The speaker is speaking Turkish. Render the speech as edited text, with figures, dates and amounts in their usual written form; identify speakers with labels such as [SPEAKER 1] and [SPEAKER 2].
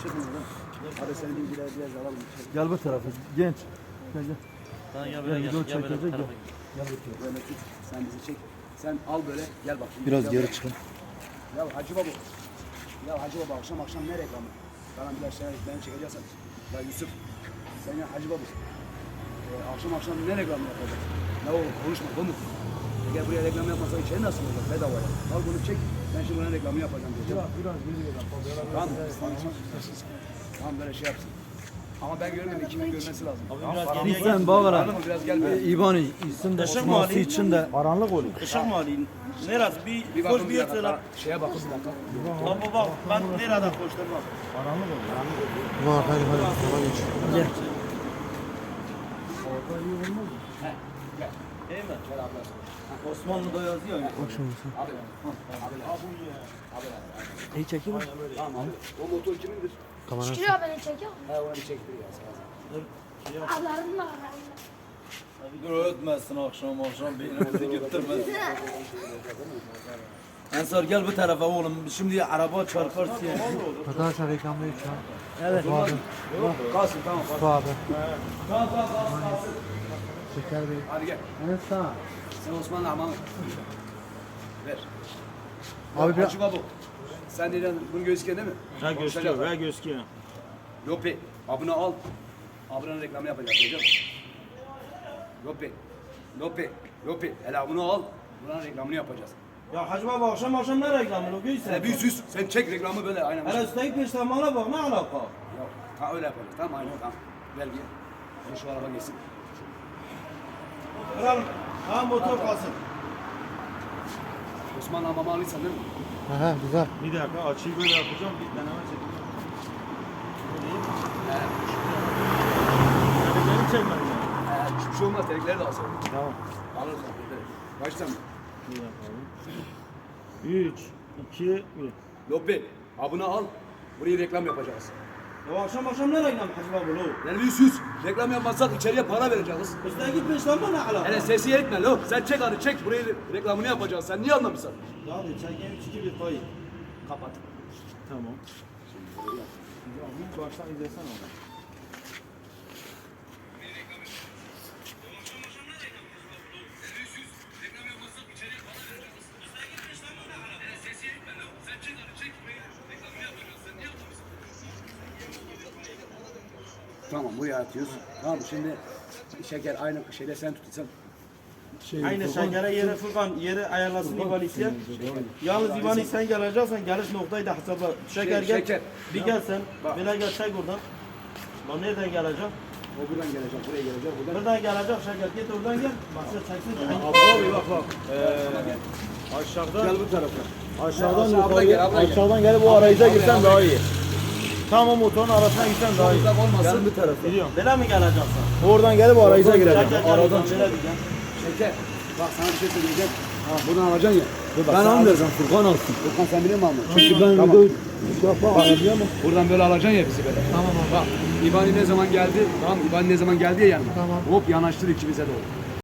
[SPEAKER 1] Çıkın oradan. Hadi senin bilgileri biraz alalım.
[SPEAKER 2] Gel bu tarafa. Genç. Gel gel.
[SPEAKER 3] Tamam ya böyle
[SPEAKER 2] Gel,
[SPEAKER 3] gel.
[SPEAKER 2] video
[SPEAKER 3] Gel böyle
[SPEAKER 2] çekecek,
[SPEAKER 3] bu tarafa
[SPEAKER 2] gel.
[SPEAKER 3] gel.
[SPEAKER 1] Gel bakayım. Böyle tut. Sen bizi çek. Sen al böyle. Gel bak.
[SPEAKER 2] Biraz
[SPEAKER 1] Gel
[SPEAKER 2] geri
[SPEAKER 1] bak.
[SPEAKER 2] çıkın.
[SPEAKER 1] Ya Hacı Baba. Ya Hacı Baba akşam ne reklamı? Bana biraz şeyler beni çekeceksin. Ya Yusuf. Sen ya Hacı Baba. Akşam ne reklamı yapacak? Ne olur konuşma bu mu? Eğer buraya reklam yapmazsa içeri nasıl olacak? Bedavaya. Al bunu çek. Ben şimdi bunun reklamını yapacağım diyeceğim.
[SPEAKER 2] Biraz geri gel.
[SPEAKER 1] Tamam. Tamam böyle şey yapsın. Ama ben görmüyorum. Kimin görmesi lazım.
[SPEAKER 3] Abi
[SPEAKER 1] Tamam,
[SPEAKER 3] biraz
[SPEAKER 1] paramı-
[SPEAKER 3] geriye
[SPEAKER 2] Sen bağıra.
[SPEAKER 1] Anladın mı? Biraz gel böyle.
[SPEAKER 2] İban isim de
[SPEAKER 3] Işık
[SPEAKER 2] çıkması
[SPEAKER 3] mali.
[SPEAKER 2] için de karanlık oluyor.
[SPEAKER 3] Işık mı alayım? Neresi?
[SPEAKER 1] Bir
[SPEAKER 3] Koş
[SPEAKER 1] bakın
[SPEAKER 3] bir
[SPEAKER 1] bir
[SPEAKER 3] yırtı lan.
[SPEAKER 1] dakika. Şeye bakın bir dakika.
[SPEAKER 3] Baba bak ben nereden koştum bak.
[SPEAKER 2] Karanlık oluyor.
[SPEAKER 4] Var hadi hadi. Geç.
[SPEAKER 2] Gel.
[SPEAKER 3] Değil mi? Osmanlı'da yazıyor ya.
[SPEAKER 4] Bak şimdi sen. İyi çekeyim mi?
[SPEAKER 1] Tamam abi. O motor kimindir?
[SPEAKER 4] Kamerası.
[SPEAKER 5] Çıkıyor beni çekiyor.
[SPEAKER 1] He onu bir çektir ya. Sağ ol.
[SPEAKER 5] Ablarım var.
[SPEAKER 3] Dur ötmezsin akşam beynimizi götürmesin. Ensar gel bu tarafa oğlum. Şimdi araba çarpar diye.
[SPEAKER 4] Arkadaşlar reklamdayız şu an.
[SPEAKER 2] Evet.
[SPEAKER 4] Bu abi.
[SPEAKER 1] Kalsın tamam.
[SPEAKER 4] Bu abi.
[SPEAKER 1] Kalsın.
[SPEAKER 4] Şeker Bey.
[SPEAKER 1] Hadi gel.
[SPEAKER 2] Evet sağ.
[SPEAKER 1] Sen Osman'la aman. Ver.
[SPEAKER 4] Abi bir
[SPEAKER 1] Hacı Baba. Sen neden bunu gözüküyor değil mi?
[SPEAKER 3] Ha gözüküyor, ha gözüküyor.
[SPEAKER 1] Lopi. Abone al. Abone reklamı yapacağız hocam. Lopi. Hele abone al. Buranın reklamını yapacağız.
[SPEAKER 3] Ya Hacı Baba akşam ne reklamı o
[SPEAKER 1] Hele
[SPEAKER 3] göğüsün?
[SPEAKER 1] bir süs. Sen çek reklamı böyle aynen.
[SPEAKER 3] Hele üstelik peştemana bak ne alaka?
[SPEAKER 1] Yok. Ha öyle yapacağız. Tamam aynen tamam. Ver gel. Şu araba geçsin.
[SPEAKER 3] Kralım, ha motor kalsın.
[SPEAKER 1] Osman'la amamı alırsan değil mi?
[SPEAKER 4] Aha güzel.
[SPEAKER 3] Bir dakika açıyı böyle yapacağım, bir deneme çekeceğim. Yani beni çekmem lazım.
[SPEAKER 1] Hiçbir şey olmaz. Terekleri de alsın.
[SPEAKER 3] Tamam.
[SPEAKER 1] Alırız terekleri. Baştan mı?
[SPEAKER 3] Bir yapalım. 3, 2, 1.
[SPEAKER 1] Lopi. Abone al. Burayı reklam yapacağız.
[SPEAKER 3] Ya akşam ne reklam Hacı Baba lo?
[SPEAKER 1] Yani bir süs. Reklam yapmazsak içeriye para vereceğiz.
[SPEAKER 3] Üstelik peştemana ne alaka?
[SPEAKER 1] Hele sesi etme lo. Sen çek hadi çek. Burayı reklamını yapacağız. Sen niye anlamışsın?
[SPEAKER 3] Hadi çekeyim 3, 2, 1 kayıt.
[SPEAKER 1] Kapat.
[SPEAKER 3] Tamam. Baştan izlesen onu.
[SPEAKER 1] Tamam buraya atıyoruz. Tamam şimdi şeker aynı şeyde sen tutursan.
[SPEAKER 3] Aynı şekere yeri Furkan yeri ayarlasın İvan isteyen. Yalnız İvan'ı sen geleceksen geliş noktayı da hesapla. Şeker gel.
[SPEAKER 1] şeker.
[SPEAKER 3] Bir gel sen.
[SPEAKER 1] Bak.
[SPEAKER 3] Böyle gel çek oradan. Lan nereden gelecek?
[SPEAKER 1] O buradan gelecek, buraya gelecek, buradan.
[SPEAKER 3] Buradan gelecek şeker git oradan gel. Bak sen çeksin.
[SPEAKER 1] Abi bak.
[SPEAKER 3] Aşağıdan.
[SPEAKER 1] Gel bu tarafa.
[SPEAKER 2] Aşağıdan
[SPEAKER 1] Abla
[SPEAKER 2] yukarı,
[SPEAKER 1] gel, abla gel.
[SPEAKER 2] aşağıdan gelip o arayıza girsen daha iyi. Tam o motorun arasına girsen daha iyi.
[SPEAKER 1] Uzak olmasın.
[SPEAKER 2] Gel bu tarafa.
[SPEAKER 3] Biliyorum. Böyle mi geleceksin?
[SPEAKER 2] Oradan gelip o arayıza
[SPEAKER 3] Şeker
[SPEAKER 2] gireceksin.
[SPEAKER 3] gel
[SPEAKER 2] Aradan
[SPEAKER 3] oradan
[SPEAKER 2] çık.
[SPEAKER 3] böyle diyeceğim.
[SPEAKER 1] Şeker. Bak sana bir şey söyleyeceğim. Ha, buradan alacaksın ya.
[SPEAKER 2] Ben almayacağım. Furkan alsın.
[SPEAKER 1] Furkan sen biliyor musun almayı?
[SPEAKER 2] Çünkü ben
[SPEAKER 1] Tamam.
[SPEAKER 2] video şey yapma arayacağım ama.
[SPEAKER 1] Buradan böyle alacaksın ya bizi böyle. Tamam abi. Bak İbani ne zaman geldi? Tamam İbani ne zaman geldi ya yanıma.
[SPEAKER 4] Tamam.
[SPEAKER 1] Hop yanaştır ikimize doğru.